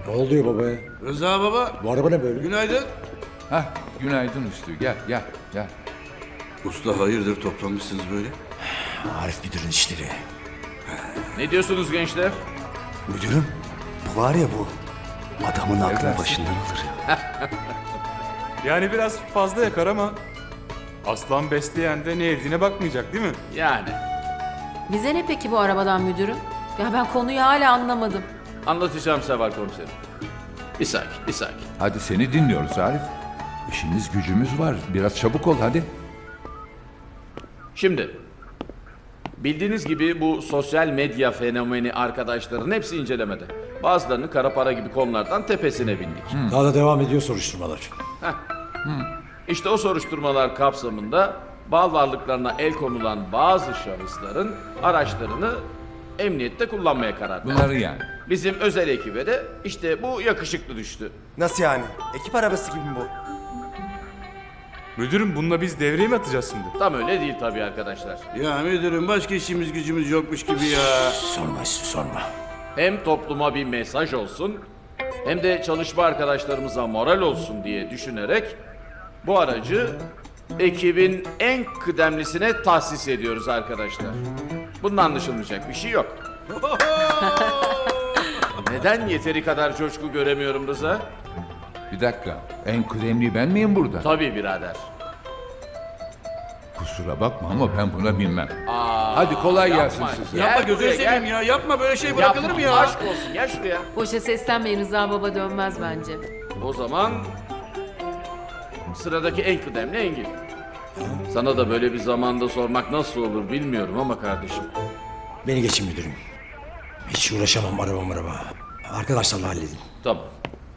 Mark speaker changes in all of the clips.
Speaker 1: Ne oluyor babaya?
Speaker 2: Rıza baba,
Speaker 1: Bu araba ne böyle?
Speaker 2: günaydın.
Speaker 3: Hah, günaydın Üstü. Gel.
Speaker 2: Usta hayırdır toplanmışsınız böyle?
Speaker 1: Arif müdürün işleri.
Speaker 4: Ne diyorsunuz gençler?
Speaker 5: Müdürüm, bu var ya bu. Adamın aklını
Speaker 3: dersin?
Speaker 5: başından alır ya.
Speaker 6: Yani biraz fazla yakar ama aslan besleyen de ne yediğine bakmayacak değil mi?
Speaker 4: Yani
Speaker 7: Bize ne peki bu arabadan müdürüm? Ya ben konuyu hala anlamadım.
Speaker 4: anlatacağım Seval komiserim. Bir sakin.
Speaker 3: Hadi seni dinliyoruz Arif. İşimiz gücümüz var. Biraz çabuk ol hadi.
Speaker 4: Şimdi bildiğiniz gibi bu sosyal medya fenomeni arkadaşların hepsi incelemede. Bazılarının kara para gibi konulardan tepesine bindik.
Speaker 1: Daha da devam ediyor soruşturmalar.
Speaker 4: İşte o soruşturmalar kapsamında mal varlıklarına el konulan bazı şahısların araçlarını emniyette kullanmaya karar verdi.
Speaker 3: Bunları yani.
Speaker 4: Bizim özel ekibe de işte bu yakışıklı düştü.
Speaker 5: Nasıl yani? Ekip arabası gibi mi bu?
Speaker 6: Müdürüm bununla biz devreye mi atacağız şimdi?
Speaker 4: Tam öyle değil tabii arkadaşlar.
Speaker 2: Ya müdürüm başka işimiz gücümüz yokmuş gibi ya.
Speaker 1: Sorma Üstü sorma.
Speaker 4: Hem topluma bir mesaj olsun hem de çalışma arkadaşlarımıza moral olsun diye düşünerek bu aracı ekibin en kıdemlisine tahsis ediyoruz arkadaşlar. Bunun anlaşılmayacak bir şey yok. Neden yeteri kadar coşku göremiyorum Rıza?
Speaker 3: Bir dakika. En kıdemli ben miyim burada?
Speaker 4: Tabii birader.
Speaker 3: Kusura bakma ama ben buna bilmem. Hadi kolay gelsin
Speaker 4: Yapma.
Speaker 3: size.
Speaker 4: Gel
Speaker 2: Yapma gözünü
Speaker 4: buraya,
Speaker 2: seveyim
Speaker 4: gel.
Speaker 2: ya. Yapma böyle şey bırakılır mı ya?
Speaker 4: Aşk olsun gel şuraya.
Speaker 7: Boşa seslenmeyin, Rıza baba dönmez bence.
Speaker 4: O zaman sıradaki en kıdemli Engin. Sana da böyle bir zamanda sormak nasıl olur bilmiyorum ama kardeşim.
Speaker 1: Beni geçin müdürüm. Hiç uğraşamam araba. Arkadaşlarla halledin.
Speaker 4: Tamam.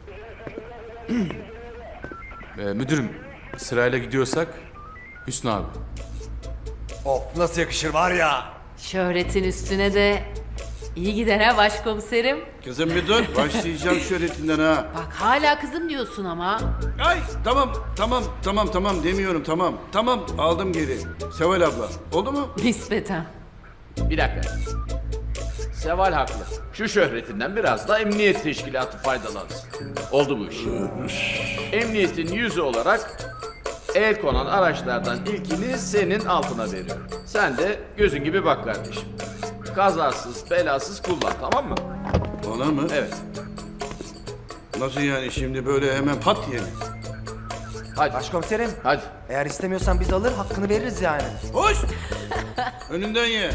Speaker 6: Müdürüm sırayla gidiyorsak Hüsnü abi.
Speaker 5: Of nasıl yakışır var ya.
Speaker 7: Şöhretin üstüne de iyi gider ha başkomiserim.
Speaker 2: Kızım bir dur. Başlayacağım şöhretinden ha.
Speaker 7: Bak hala kızım diyorsun ama.
Speaker 2: Ay tamam demiyorum tamam. Tamam aldım geri. Seval abla. Oldu mu?
Speaker 7: Nispeten.
Speaker 4: Bir dakika. Seval haklı. Şu şöhretinden biraz da emniyet teşkilatı faydalansın. Oldu bu iş. Emniyetin yüzü olarak el konan araçlardan ilkini senin altına veriyorum. Sen de gözün gibi bak kardeşim. Kazasız belasız kullan, tamam mı?
Speaker 2: Bana mı?
Speaker 4: Evet.
Speaker 2: Nasıl yani şimdi böyle hemen pat diye mi?
Speaker 4: Hadi.
Speaker 5: Başkomiserim,
Speaker 4: Hadi.
Speaker 5: eğer istemiyorsan biz alır hakkını veririz yani.
Speaker 2: Hoş! Önünden ye.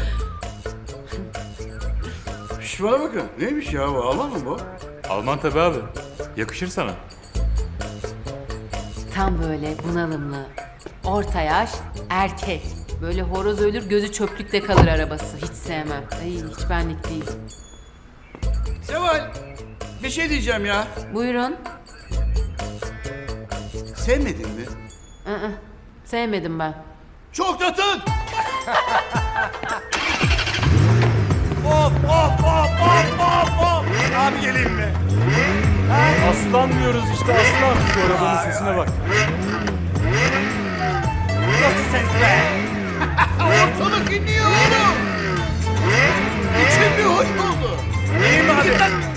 Speaker 2: Şş bana bakın. Neymiş ya bu? Alman mı bu?
Speaker 6: Alman tabi abi. Yakışır sana.
Speaker 7: Tam böyle bunalımlı, orta yaş, erkek. Böyle horoz ölür gözü çöplükte kalır arabası. Hiç sevmem. Ay, hiç benlik değil.
Speaker 2: Seval! Bir şey diyeceğim ya.
Speaker 7: Buyurun.
Speaker 2: Sevmedin mi?
Speaker 7: Sevmedim ben.
Speaker 2: Çok tatın!
Speaker 5: Abi geleyim mi?
Speaker 6: Aslan diyoruz işte aslan. Şu arabanın sesine bak.
Speaker 5: Nasıl ses be?
Speaker 2: Ortalık inliyor oğlum! İçim bir hoş oldu.
Speaker 5: İyiyim abi.